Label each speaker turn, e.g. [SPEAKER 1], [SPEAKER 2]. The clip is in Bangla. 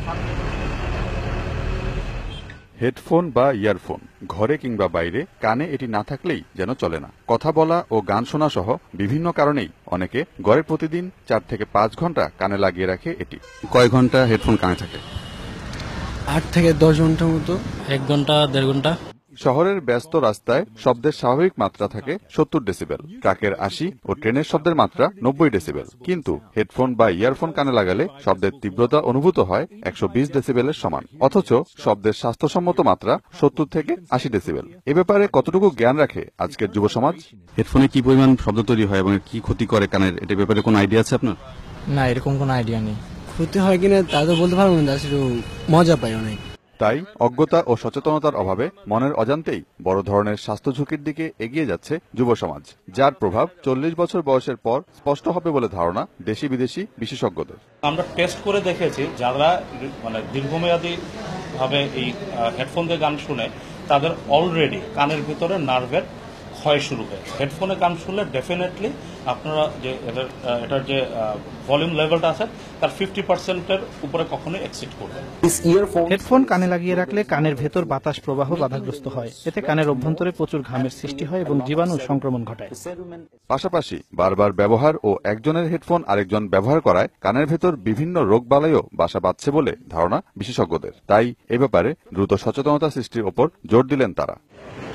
[SPEAKER 1] হেডফোন বা ইয়ারফোন ঘরে কিংবা বাইরে কানে এটি না থাকলেই যেন চলে না। কথা বলা ও গান শোনা সহ বিভিন্ন কারণেই অনেকে গড়ে প্রতিদিন 4 থেকে 5 ঘন্টা কানে লাগিয়ে রাখে এটি। কয় ঘন্টা হেডফোন কানে থাকে?
[SPEAKER 2] 8 থেকে 10 ঘন্টার মতো।
[SPEAKER 3] 1 ঘন্টা 1.5 ঘন্টা।
[SPEAKER 1] শহরের ব্যস্ত রাস্তায় শব্দের স্বাভাবিক মাত্রা থাকে 70 ডেসিবেল, ট্রাকের 80 ও ট্রেনের শব্দের মাত্রা 90 ডেসিবেল। কিন্তু হেডফোন বা ইয়ারফোন কানে লাগালে শব্দের তীব্রতা অনুভূত হয় 120 ডেসিবেলের সমান, অথচ শব্দের স্বাস্থ্যসম্মত মাত্রা 70 থেকে 80 ডেসিবেল। এ ব্যাপারে কতটুকু জ্ঞান রাখে আজকের যুব সমাজ?
[SPEAKER 4] হেডফোনে কি পরিমাণ শব্দ তৈরি হয় এবং কি ক্ষতি করে কানের, এটার ব্যাপারে কোনো আইডিয়া আছে আপনার?
[SPEAKER 3] না, এরকম কোনো আইডিয়া নেই।
[SPEAKER 2] ক্ষতি হয় কিনা তা তো বলতে পারবো না, শুধু মজা পাই অনেক।
[SPEAKER 1] তাই অজ্ঞতা ও সচেতনতার অভাবে মনের অজান্তেই বড় ধরনের স্বাস্থ্য ঝুঁকির দিকে এগিয়ে যাচ্ছে যুব সমাজ, যার প্রভাব 40 বছর বয়সের পর স্পষ্ট হবে বলে ধারণা দেশি বিদেশি বিশেষজ্ঞদের।
[SPEAKER 5] আমরা টেস্ট করে দেখেছি, যারা দীর্ঘমেয়াদী ভাবে এই হেডফোন দিয়ে গান শুনে তাদের অলরেডি কানের ভিতরে নার্ভের ক্ষয় শুরু হয়েছে। হেডফোনে গান শুনলে ডেফিনেটলি আপনারা যে এটার যে ভলিউম লেভেলটা আছে তার 50%-এর উপরে কখনোই এক্সিড করবে।
[SPEAKER 6] হেডফোন কানে লাগিয়ে রাখলে কানের ভেতর বাতাস প্রবাহ বাধাগ্রস্ত হয়। এতে কানের অভ্যন্তরে প্রচুর ঘামের সৃষ্টি হয় এবং জীবাণু সংক্রমণ ঘটায়।
[SPEAKER 1] পাশাপাশি বারবার ব্যবহার ও একজনের হেডফোন আরেকজন ব্যবহার করায় কানের ভেতর বিভিন্ন রোগবালাইও বাসা বাঁধছে বলে ধারণা বিশেষজ্ঞদের। তাই এ ব্যাপারে দ্রুত সচেতনতা সৃষ্টির ওপর জোর দিলেন তারা।